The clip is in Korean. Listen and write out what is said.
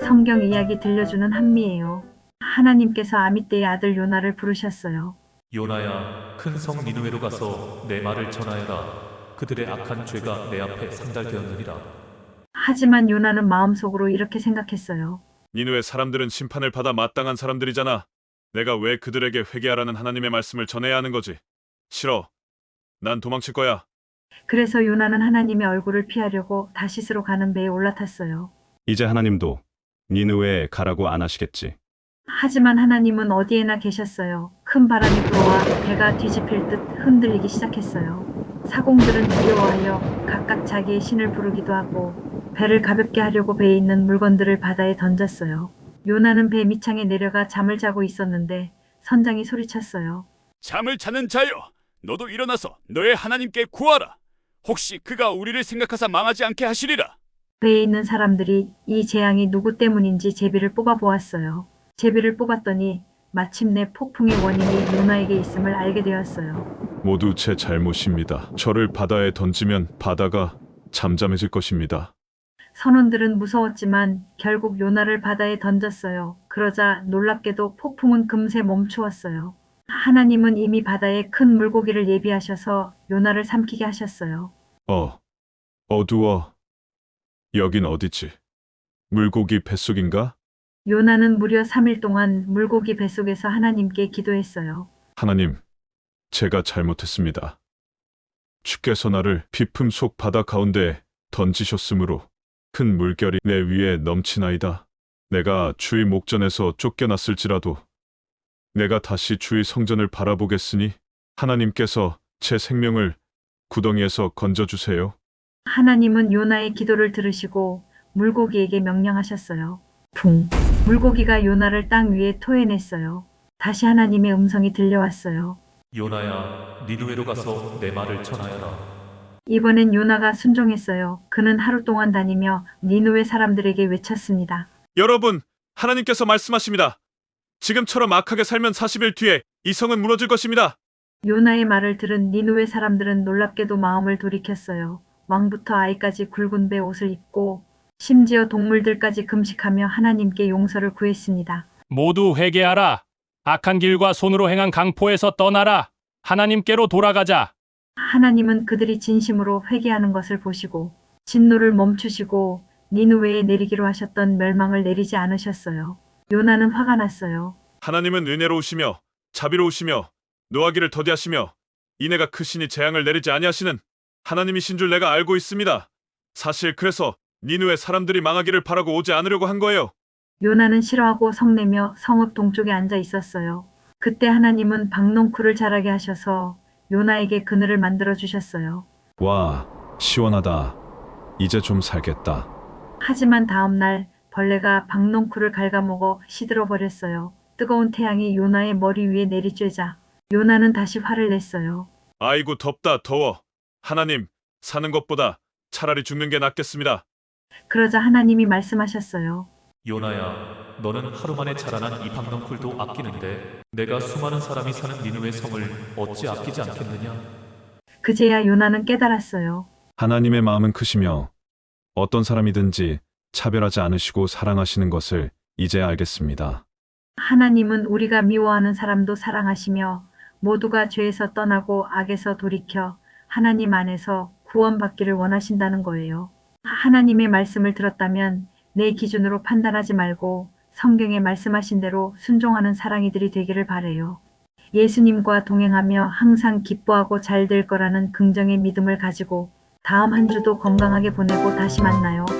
성경 이야기 들려주는 한미예요. 하나님께서 아미떼의 아들 요나를 부르셨어요. 요나야, 큰 성 니느웨로 가서 내 말을 전하여라. 그들의 악한 죄가 내 앞에 상달되었느니라. 하지만 요나는 마음속으로 이렇게 생각했어요. 니느웨 사람들은 심판을 받아 마땅한 사람들이잖아. 내가 왜 그들에게 회개하라는 하나님의 말씀을 전해야 하는 거지? 싫어. 난 도망칠 거야. 그래서 요나는 하나님의 얼굴을 피하려고 다시스로 가는 배에 올라탔어요. 이제 하나님도 니느웨에 가라고 안 하시겠지. 하지만 하나님은 어디에나 계셨어요. 큰 바람이 불어와 배가 뒤집힐 듯 흔들리기 시작했어요. 사공들은 두려워하여 각각 자기의 신을 부르기도 하고 배를 가볍게 하려고 배에 있는 물건들을 바다에 던졌어요. 요나는 배 밑창에 내려가 잠을 자고 있었는데 선장이 소리쳤어요. 잠을 자는 자여, 너도 일어나서 너의 하나님께 구하라. 혹시 그가 우리를 생각하사 망하지 않게 하시리라. 배에 있는 사람들이 이 재앙이 누구 때문인지 제비를 뽑아보았어요. 제비를 뽑았더니 마침내 폭풍의 원인이 요나에게 있음을 알게 되었어요. 모두 제 잘못입니다. 저를 바다에 던지면 바다가 잠잠해질 것입니다. 선원들은 무서웠지만 결국 요나를 바다에 던졌어요. 그러자 놀랍게도 폭풍은 금세 멈추었어요. 하나님은 이미 바다에 큰 물고기를 예비하셔서 요나를 삼키게 하셨어요. 어두워. 여긴 어디지? 물고기 뱃속인가? 요나는 무려 3일 동안 물고기 뱃속에서 하나님께 기도했어요. 하나님, 제가 잘못했습니다. 주께서 나를 비품 속 바다 가운데에 던지셨으므로 큰 물결이 내 위에 넘치나이다. 내가 주의 목전에서 쫓겨났을지라도 내가 다시 주의 성전을 바라보겠으니 하나님께서 제 생명을 구덩이에서 건져주세요. 하나님은 요나의 기도를 들으시고 물고기에게 명령하셨어요. 붕! 물고기가 요나를 땅 위에 토해냈어요. 다시 하나님의 음성이 들려왔어요. 요나야, 니느웨로 가서 내 말을 전하여라. 이번엔 요나가 순종했어요. 그는 하루 동안 다니며 니느웨 사람들에게 외쳤습니다. 여러분, 하나님께서 말씀하십니다. 지금처럼 악하게 살면 40일 뒤에 이 성은 무너질 것입니다. 요나의 말을 들은 니느웨 사람들은 놀랍게도 마음을 돌이켰어요. 왕부터 아이까지 굵은 배 옷을 입고 심지어 동물들까지 금식하며 하나님께 용서를 구했습니다. 모두 회개하라. 악한 길과 손으로 행한 강포에서 떠나라. 하나님께로 돌아가자. 하나님은 그들이 진심으로 회개하는 것을 보시고 진노를 멈추시고 니느웨에 내리기로 하셨던 멸망을 내리지 않으셨어요. 요나는 화가 났어요. 하나님은 은혜로우시며 자비로우시며 노하기를 더디하시며 이내가 크시니 재앙을 내리지 아니하시는 하나님이신 줄 내가 알고 있습니다. 사실 그래서 니느웨 사람들이 망하기를 바라고 오지 않으려고 한 거예요. 요나는 싫어하고 성내며 성읍 동쪽에 앉아 있었어요. 그때 하나님은 박농쿨을 자라게 하셔서 요나에게 그늘을 만들어 주셨어요. 와, 시원하다. 이제 좀 살겠다. 하지만 다음 날 벌레가 박농쿨을 갉아먹어 시들어 버렸어요. 뜨거운 태양이 요나의 머리 위에 내리쬐자 요나는 다시 화를 냈어요. 아이고 덥다 더워. 하나님, 사는 것보다 차라리 죽는 게 낫겠습니다. 그러자 하나님이 말씀하셨어요. 요나야, 너는 하루 만에 자라난 이 박넝쿨도 아끼는데 내가 수많은 사람이 사는 니느웨 성을 어찌 아끼지 않겠느냐? 그제야 요나는 깨달았어요. 하나님의 마음은 크시며 어떤 사람이든지 차별하지 않으시고 사랑하시는 것을 이제 알겠습니다. 하나님은 우리가 미워하는 사람도 사랑하시며 모두가 죄에서 떠나고 악에서 돌이켜 하나님 안에서 구원받기를 원하신다는 거예요. 하나님의 말씀을 들었다면 내 기준으로 판단하지 말고 성경에 말씀하신 대로 순종하는 사랑이들이 되기를 바래요. 예수님과 동행하며 항상 기뻐하고 잘 될 거라는 긍정의 믿음을 가지고 다음 한 주도 건강하게 보내고 다시 만나요.